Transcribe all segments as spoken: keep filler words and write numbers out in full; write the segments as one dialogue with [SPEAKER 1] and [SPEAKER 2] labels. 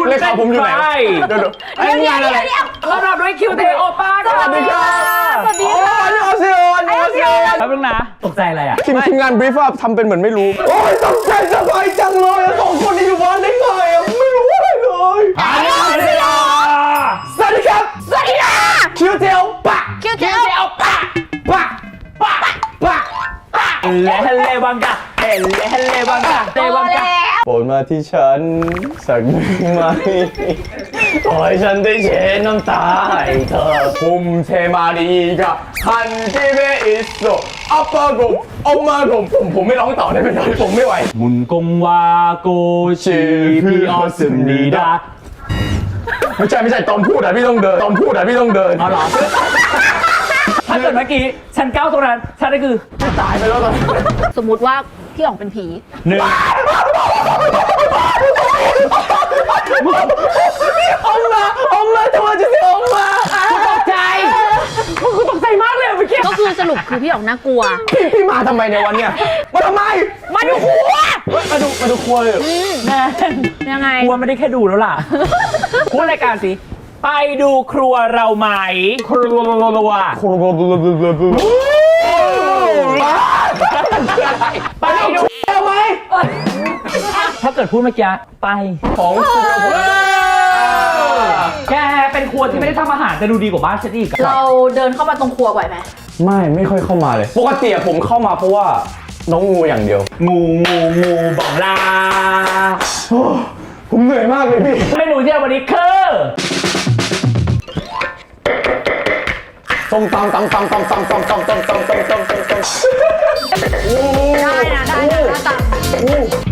[SPEAKER 1] คุณเลขาผมอยู่ไหนเดี๋ยวๆไอ้งานอะไร
[SPEAKER 2] เราเราด้วยคิวเทโอป้าสวัสดีค่ะ
[SPEAKER 1] สวัสดีค่ะอันนี้ออเซียอันนี้ออเซีย
[SPEAKER 2] แป๊บนึงนะตกใจอะไรอ่ะ
[SPEAKER 1] ทีมทีมงานบรีฟทำเป็นเหมือนไม่รู้โอ้ยตกใจสบายจังเลยสองคนนี้อยู่บ้านได้ไงไม่รู้อะไรเลย
[SPEAKER 2] อันนี้ออเซีย
[SPEAKER 1] สวัสดีครับ
[SPEAKER 3] สวัสดีค่ะ
[SPEAKER 1] คิวเทโอป้า
[SPEAKER 3] คิวเทโอ
[SPEAKER 2] ป้า
[SPEAKER 1] ป้าป้าป้า
[SPEAKER 2] เลเลบังกะเลเลบังกะเลบังกะ
[SPEAKER 1] โปรดมาที่ฉันสักหนึ่งไหมขอให้ฉันได้เช็ดน้ำตาให้เธอคุมเทมาดีกับคันที่เบอิสโซอัปปะกบออกมากบผมผมไม่ร้องต่อได้ไหมครับผมไม่ไหว
[SPEAKER 2] มุนกงวาโกชิพีออซึมนีดา
[SPEAKER 1] ไม่ใช่ไม่ใช่ตอนพูดอะพี่ต้องเดินตอนพูดอะพี่ต้องเดิน
[SPEAKER 2] อ๋อเหรอถ้าเกิดเมื่อกี้ฉันก้าวตรงนั้นฉันได้คือ
[SPEAKER 1] ตายไปแล้วตอน
[SPEAKER 3] สมมุติว่าพี่อ๋องเป็นผี
[SPEAKER 2] หนึ่ง
[SPEAKER 1] ออกมาออกมาจังหวะจะเสียออกมา
[SPEAKER 2] กูตกใจกูตกใจมากเลยเมื่อกี้
[SPEAKER 3] ก็คือสรุปคือพี่อ๋องน่ากลัว
[SPEAKER 1] พี่พี่มาทำไมในวันเนี้ยมาทำไม
[SPEAKER 3] มาดูครัว
[SPEAKER 1] มาดูมาดูครัวเลย
[SPEAKER 2] แม่
[SPEAKER 3] ยังไง
[SPEAKER 2] ครัวไม่ได้แค่ดูแล้วล่ะพูดรายการสิไปดูครัวเราไหมครัว
[SPEAKER 1] ครัว
[SPEAKER 2] ไปดู
[SPEAKER 1] เอาไหม
[SPEAKER 2] ถ้าเกิดพูดเมื่อกี้ไป
[SPEAKER 1] ของ
[SPEAKER 2] แกเป็นครัวที่ไม่ได้ทำอาหารแต่ดูดีกว่าบ้านฉันอีก
[SPEAKER 3] เราเดินเข้ามาตรงครัวบ่อยไหม
[SPEAKER 1] ไม่ไม่ค่อยเข้ามาเลยปกติผมเข้ามาเพราะว่าน้องงูอย่างเดียว
[SPEAKER 2] งูงูงูบอกลา
[SPEAKER 1] ผมเหนื่อยมากเลยพี่
[SPEAKER 2] เมนูที่วันนี้คือ
[SPEAKER 1] ส้มตำตำตำตำตำตำตำตำตำตำตำตำตำ
[SPEAKER 3] ได้นะได้นะตำ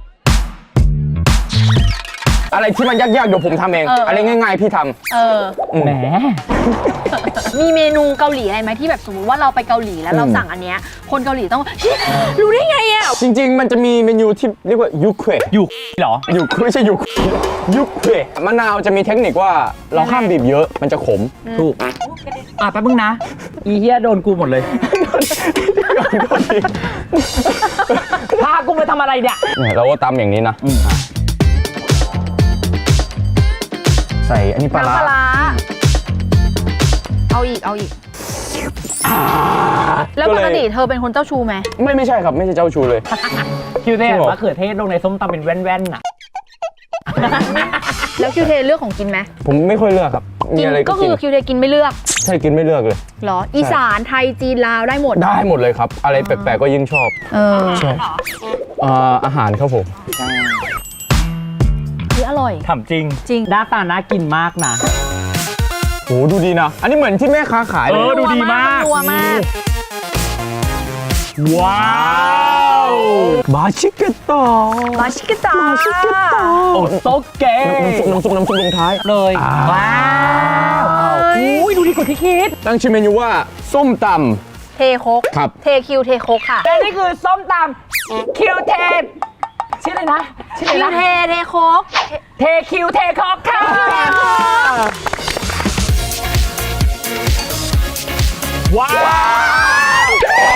[SPEAKER 1] อะไรที่มันยากๆเดี๋ยวผมทำเองอะไรง่ายๆพี่ท
[SPEAKER 3] ำเออ
[SPEAKER 2] แหม
[SPEAKER 3] มีเมนูเกาหลีอะไรไหมที่แบบสมมติว่าเราไปเกาหลีแล้วเราสั่งอันเนี้ยคนเกาหลีต้องรู้ได้ไงอ่ะ
[SPEAKER 1] จริงๆมันจะมีเมนูที่เรียกว่ายูเคว
[SPEAKER 2] ยูเหรอ
[SPEAKER 1] ยูไม่ใช่ยูยูเควมะนาวจะมีเทคนิคว่าเราห้ามบีบเยอะมันจะขม
[SPEAKER 2] ถูกอ่ะแป๊บนึงนะอีเหี้ยโดนกูหมดเลยพากูไปทำอะไรเนี่ย
[SPEAKER 1] เราก็ตำอย่างนี้นะใส่อันนี้ปลาร้า
[SPEAKER 3] เอาอีกเอาอีกแล้วปกติเธอเป็นคนเจ้าชู้ไหม
[SPEAKER 1] ไม่ไม่ใช่ครับไม่ใช่เจ้าชู้เลย
[SPEAKER 2] คิวเทมะเขือเทศลงในส้มตำเป็นแว่นๆน่ะ
[SPEAKER 3] แล้วคิวเทเลือกของกินไหม
[SPEAKER 1] ผมไม่ค่อยเลือกครับ
[SPEAKER 3] กินก็คือคิวเทกินไม่เลือก
[SPEAKER 1] ใช่กินไม่เลือกเลย
[SPEAKER 3] หรออีสานไทยจีนลาวได้หมด
[SPEAKER 1] ได้หมดเลยครับอะไรแปลกๆก็ยิ่งชอบ
[SPEAKER 3] เออ
[SPEAKER 1] ใช่อาหารครับผม
[SPEAKER 3] อร่อย
[SPEAKER 2] ถามจริง
[SPEAKER 3] จริง
[SPEAKER 2] หน้าตาน่ากินมากนะ
[SPEAKER 1] โหดูดีนะอันนี้เหมือนที่แม่ค้าขายเลย
[SPEAKER 2] เออดูดีมาก
[SPEAKER 3] นัวมาก
[SPEAKER 2] ว้าว
[SPEAKER 1] มาชิเกตา
[SPEAKER 3] มาชิเกตา
[SPEAKER 1] มาชิเกตา
[SPEAKER 2] โอ้โตเกะ
[SPEAKER 1] น้ำซุปน้ำซุปน้ำซุปลงท้าย
[SPEAKER 2] เลยว้าวอุ้ยดูดีกว่าที่คิด
[SPEAKER 1] ตั้งชื่อเมนูว่าส้มต
[SPEAKER 3] ำเทโคก
[SPEAKER 1] ครับ
[SPEAKER 3] เทคิวเทโคกค่ะ
[SPEAKER 2] และนี่คือส้มตำคิวเทชื่ออะไรนะ
[SPEAKER 3] ชื่ออะไรนะเทเทโคก
[SPEAKER 2] เทคิวเทโคกค่ะว้าว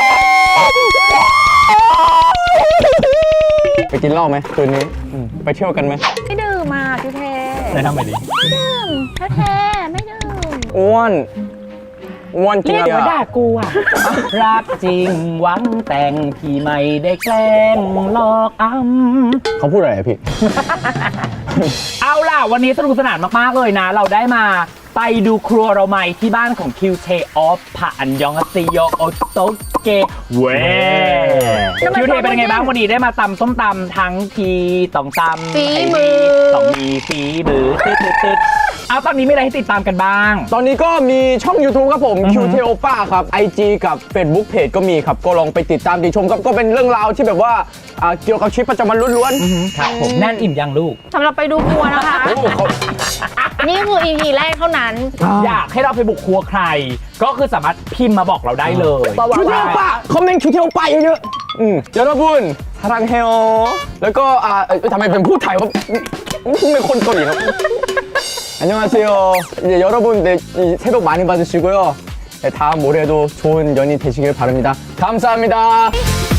[SPEAKER 1] ไปกินเหล้าไหมคืนนี้ไปเที่ยวกันไหม
[SPEAKER 3] ไม่ดื่มมาคิวเท
[SPEAKER 2] แนะนำไปดิ
[SPEAKER 3] ไม่ดื่มคิวเทไม่ดื่ม
[SPEAKER 1] อ้วนอ้วนจริง
[SPEAKER 2] เรียกว่าด่ากูอ่ะรักจริงหวังแต่งพี่ไม่ได้แกล้งหลอกอ้ำ
[SPEAKER 1] เขาพูดอะไรพี่
[SPEAKER 2] เอาล่ะวันนี้สนุกสนานมากๆเลยนะเราได้มาไปดูครัวเราใหม่ที่บ้านของคิวเทออฟผ่านยองซิโยโอโตเกเวคิวเทเป็นยังไงบ้างวันนี้ได้มาตำส้มตำทั้งทีต้องตำ
[SPEAKER 3] ฝีมือ
[SPEAKER 2] ต้องมีฝีมือตึ๊ดตึ๊ดเอาตอนนี้มีอะไรให้ติดตามกันบ้าง
[SPEAKER 1] ตอนนี้ก็มีช่อง YouTube ครับผม คิว ที โอ ป้าครับ ไอ จี กับ Facebook Page ก็มีครับก็ลองไปติดตามติชมครับก็เป็นเรื่องราวที่แบบว่าเกี่ยวกับชีวิตประจำวันล้วน
[SPEAKER 2] ๆครับผมแน่นอิ่มยังลูก
[SPEAKER 3] สำหรับไปดูครัวนะคะนี่คือ อี พี แรกเท่านั้น
[SPEAKER 2] อยากให้เราไปบุกครัวใครก็คือสามารถพิมพ์มาบอกเราได้เลย
[SPEAKER 1] คิว ที โอ ป้าคอมเมนต์ คิว ที โอ ป้าเยอะๆอืมเดี๋ยวนะบุญทารังเฮโอแล้วก็อ่าทำไมเป็นพูดไทยว่าเป็นคนเกาหลีครับ안녕하세요. 이제 여러분 네, 새복 많이 받으시고요. 네, 다음 올해도 좋은 연이 되시길 바랍니다. 감사합니다.